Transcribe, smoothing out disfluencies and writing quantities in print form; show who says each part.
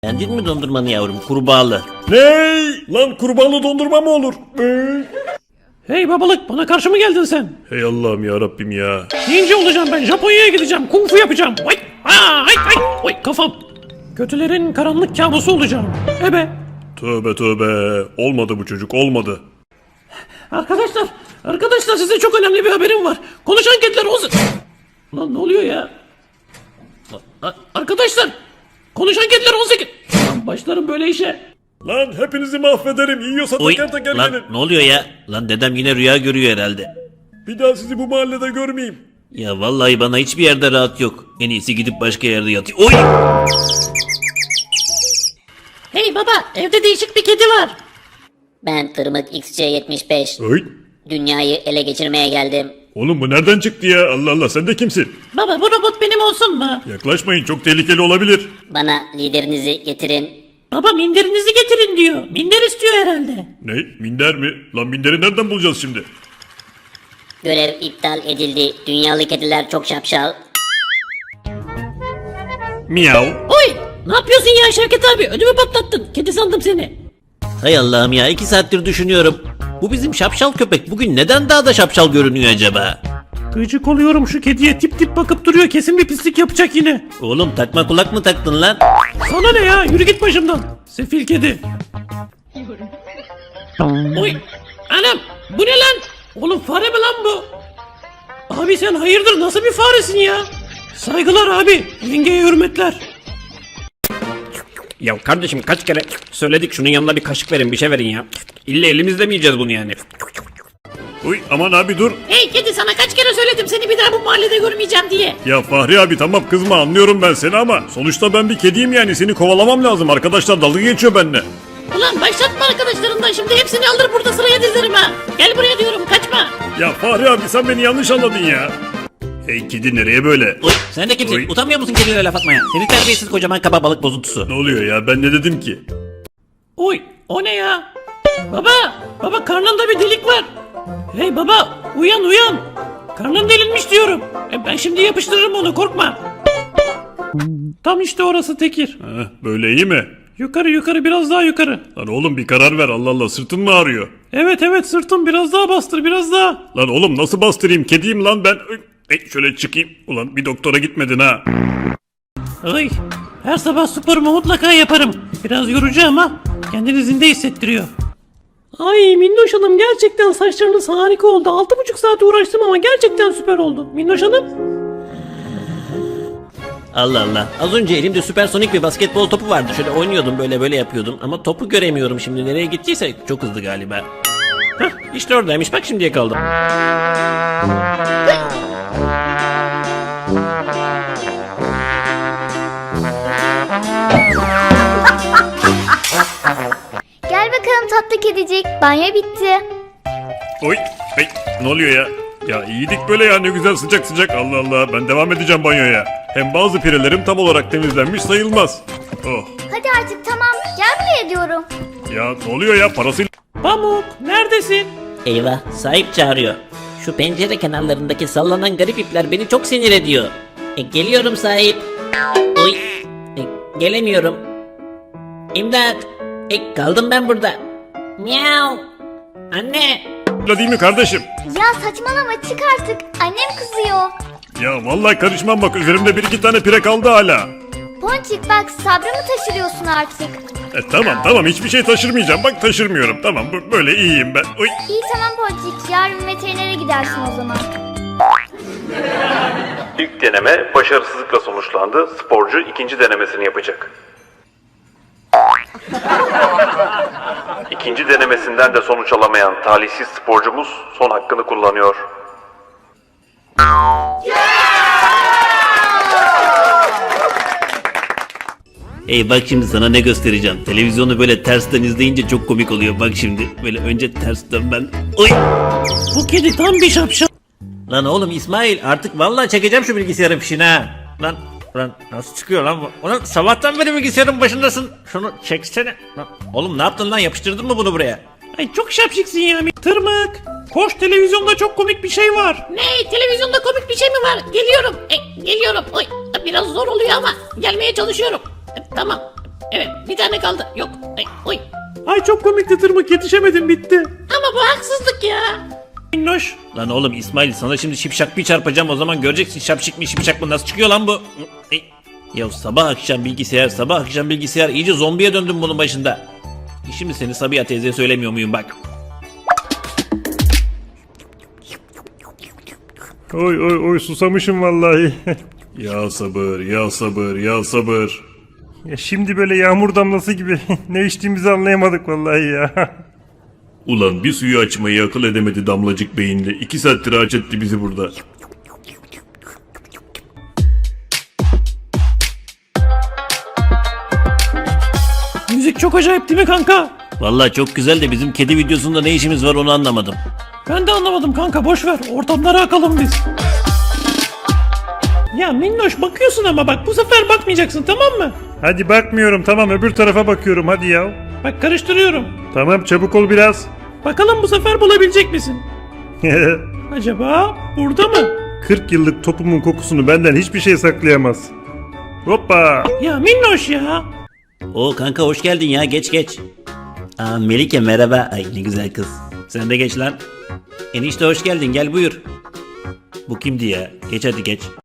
Speaker 1: Beğendin mi dondurmanı yavrum? Kurbağalı.
Speaker 2: Ney? Lan kurbağalı dondurma mı olur?
Speaker 3: Hey babalık, bana karşı mı geldin sen?
Speaker 2: Hey Allah'ım ya Rabbim ya.
Speaker 3: Ninja olacağım ben, Japonya'ya gideceğim, kung fu yapacağım. Vay, ay, ay, oy, kafam. Kötülerin karanlık kabusu olacağım. Ebe.
Speaker 2: Tövbe tövbe. Olmadı bu çocuk, olmadı.
Speaker 3: Arkadaşlar size çok önemli bir haberim var. Konuşan kediler olsun. Lan ne oluyor ya? Arkadaşlar, konuşan kediler 18. Lan başlarım böyle işe.
Speaker 2: Lan hepinizi mahvederim. Yiyorsa
Speaker 1: Oy,
Speaker 2: teker teker
Speaker 1: lan
Speaker 2: gelin.
Speaker 1: ne oluyor ya? Lan dedem yine rüya görüyor herhalde.
Speaker 2: Bir daha sizi bu mahallede görmeyeyim.
Speaker 1: Ya vallahi bana hiçbir yerde rahat yok. En iyisi gidip başka yerde yatayım. Oy!
Speaker 3: Hey baba, evde değişik bir kedi var.
Speaker 4: Ben Tırmık XC75.
Speaker 2: Oy.
Speaker 4: Dünyayı ele geçirmeye geldim.
Speaker 2: Oğlum bu nereden çıktı ya? Allah Allah, sen de kimsin?
Speaker 3: Baba, bu robot benim olsun mu?
Speaker 2: Yaklaşmayın, çok tehlikeli olabilir.
Speaker 4: Bana liderinizi getirin.
Speaker 3: Baba, minderinizi getirin diyor. Minder istiyor herhalde.
Speaker 2: Ne? Minder mi? Lan minderi nereden bulacağız şimdi?
Speaker 4: Görev iptal edildi. Dünyalı kediler çok şapşal.
Speaker 2: Miyav.
Speaker 3: Oy! Ne yapıyorsun ya Şevket abi? Ödümü patlattın. Kedi sandım seni.
Speaker 1: Hay Allah'ım ya, 2 saattir düşünüyorum. Bu bizim şapşal köpek bugün neden daha da şapşal görünüyor acaba?
Speaker 3: Gıcık oluyorum şu kediye, tip tip bakıp duruyor. Kesin bir pislik yapacak yine.
Speaker 1: Oğlum takma kulak mı taktın lan?
Speaker 3: Sana ne ya? Yürü git başımdan. Sefil kedi. Oy! Anam! Bu ne lan? Oğlum fare mi lan bu? Abi sen hayırdır, nasıl bir faresin ya? Saygılar abi. Yengeye hürmetler.
Speaker 5: Ya kardeşim kaç kere söyledik şunun yanına bir kaşık verin, bir şey verin ya. İlle elimizde mi yiyeceğiz bunu yani?
Speaker 2: Uy aman abi dur.
Speaker 3: Hey kedi, sana kaç kere söyledim seni bir daha bu mahallede görmeyeceğim diye.
Speaker 2: Ya Fahri abi tamam kızma, anlıyorum ben seni ama sonuçta ben bir kediyim yani, seni kovalamam lazım. Arkadaşlar dalga geçiyor benimle.
Speaker 3: Ulan başlatma arkadaşlarından, şimdi hepsini alır burada sıraya dizerim ha. Gel buraya diyorum, kaçma.
Speaker 2: Ya Fahri abi sen beni yanlış anladın ya. Hey kedi nereye böyle?
Speaker 1: Oy, sen de kimsin?
Speaker 2: Oy.
Speaker 1: Utanmıyor musun kedilere laf atmaya? Seni terbiyesiz kocaman kaba balık bozuntusu.
Speaker 2: Ne oluyor ya, ben ne dedim ki?
Speaker 3: Oy, o ne ya? Baba karnında bir delik var. Hey baba, uyan. Karnın delinmiş diyorum. Ben şimdi yapıştırırım onu, korkma. Tam işte orası Tekir.
Speaker 2: Heh, böyle iyi mi?
Speaker 3: Yukarı, biraz daha yukarı.
Speaker 2: Lan oğlum bir karar ver, Allah Allah, sırtın mı ağrıyor?
Speaker 3: Evet sırtım, biraz daha bastır, biraz daha.
Speaker 2: Lan oğlum nasıl bastırayım, kediyim lan ben. Şöyle çıkayım. Ulan bir doktora gitmedin ha.
Speaker 3: Ay, her sabah sporumu mutlaka yaparım. Biraz yorucu ama kendini zinde hissettiriyor. Ay Minnoş Hanım, gerçekten saçlarınız harika oldu. 6,5 saat uğraştım ama gerçekten süper oldu. Minnoş Hanım.
Speaker 1: Allah Allah. Az önce elimde süpersonik bir basketbol topu vardı. Şöyle oynuyordum, böyle yapıyordum. Ama topu göremiyorum şimdi. Nereye gittiyse çok hızlı galiba. Hah, işte oradaymış. Bak şimdi yakaladım.
Speaker 6: Gel bakalım tatlı kedicik. Banyo bitti.
Speaker 2: Oy. Hey, ne oluyor ya? Ya iyiydik böyle ya, ne güzel sıcak sıcak. Allah Allah, ben devam edeceğim banyoya. Hem bazı pirelerim tam olarak temizlenmiş sayılmaz. Oh.
Speaker 6: Hadi artık tamam. Gel buraya diyorum.
Speaker 2: Ya ne oluyor ya, parasıyla...
Speaker 3: Pamuk, neredesin?
Speaker 1: Eyvah, sahip çağırıyor. Şu pencere kenarlarındaki sallanan garip ipler beni çok sinir ediyor. Geliyorum sahip. Oy. Gelemiyorum. İmdat. Kaldım ben burada. Miau. Anne.
Speaker 2: değil mi kardeşim?
Speaker 6: Ya saçmalama, çık artık. Annem kızıyor.
Speaker 2: Ya vallahi karışmam, bak üzerimde 1-2 tane pire kaldı hala.
Speaker 6: Ponçik bak, sabrımı taşırıyorsun artık.
Speaker 2: Tamam hiçbir şey taşırmayacağım, bak taşırmıyorum, tamam böyle iyiyim ben. Oy.
Speaker 6: İyi tamam Ponçik, yarın veterinere gidersin o zaman.
Speaker 7: İlk deneme başarısızlıkla sonuçlandı. Sporcu ikinci denemesini yapacak. İkinci denemesinden de sonuç alamayan talihsiz sporcumuz son hakkını kullanıyor.
Speaker 1: Hey bak şimdi sana ne göstereceğim. Televizyonu böyle tersten izleyince çok komik oluyor. Bak şimdi böyle önce tersten ben... Oy!
Speaker 3: Bu kedi tam bir şapşal.
Speaker 1: Lan oğlum İsmail, artık vallahi çekeceğim şu bilgisayarın fişini ha. Lan nasıl çıkıyor lan bu? Ulan sabahtan beri bilgisayarın başındasın. Şunu çeksene. Lan, oğlum ne yaptın lan, yapıştırdın mı bunu buraya?
Speaker 3: Ay çok şapşiksin ya. Tırmık. Koş, televizyonda çok komik bir şey var. Ne? Televizyonda komik bir şey mi var? Geliyorum. Geliyorum. Oy, biraz zor oluyor ama gelmeye çalışıyorum. Tamam. Evet bir tane kaldı. Yok. Ay, oy.
Speaker 2: Ay çok komikti tırmık, yetişemedim, bitti.
Speaker 3: Ama bu haksızlık ya. Minnoş.
Speaker 5: Lan oğlum İsmail, sana şimdi şipşak bir çarpacağım, o zaman göreceksin şapşik mi şipşak mı, nasıl çıkıyor lan bu? Ey, ya sabah akşam bilgisayar, sabah akşam bilgisayar, iyice zombiye döndüm bunun başında. Şimdi seni Sabiha teyzeye söylemiyor muyum bak.
Speaker 2: Oy oy oy, susamışım vallahi. Ya sabır, ya sabır, ya sabır. Ya şimdi böyle yağmur damlası gibi ne içtiğimizi anlayamadık vallahi ya. Ulan bir suyu açmayı akıl edemedi damlacık beyinle. 2 saattir aç etti bizi burada.
Speaker 3: Müzik çok acayip değil mi kanka?
Speaker 5: Vallahi çok güzel de bizim kedi videosunda ne işimiz var onu anlamadım.
Speaker 3: Ben de anlamadım kanka, boş ver. Ortamlara akalım biz. Ya Minnoş bakıyorsun ama bak bu sefer bakmayacaksın, tamam mı?
Speaker 2: Hadi bakmıyorum, tamam, öbür tarafa bakıyorum, hadi ya.
Speaker 3: Bak karıştırıyorum.
Speaker 2: Tamam, çabuk ol biraz.
Speaker 3: Bakalım bu sefer bulabilecek misin? Acaba burada mı?
Speaker 2: 40 yıllık topumun kokusunu benden hiçbir şey saklayamaz. Hoppa.
Speaker 3: Ya Minnoş ya.
Speaker 5: Oo kanka hoş geldin ya, geç geç. Aa Melike merhaba. Ay ne güzel kız. Sen de geç lan. Enişte hoş geldin, gel buyur. Bu kimdi ya? Geç hadi geç.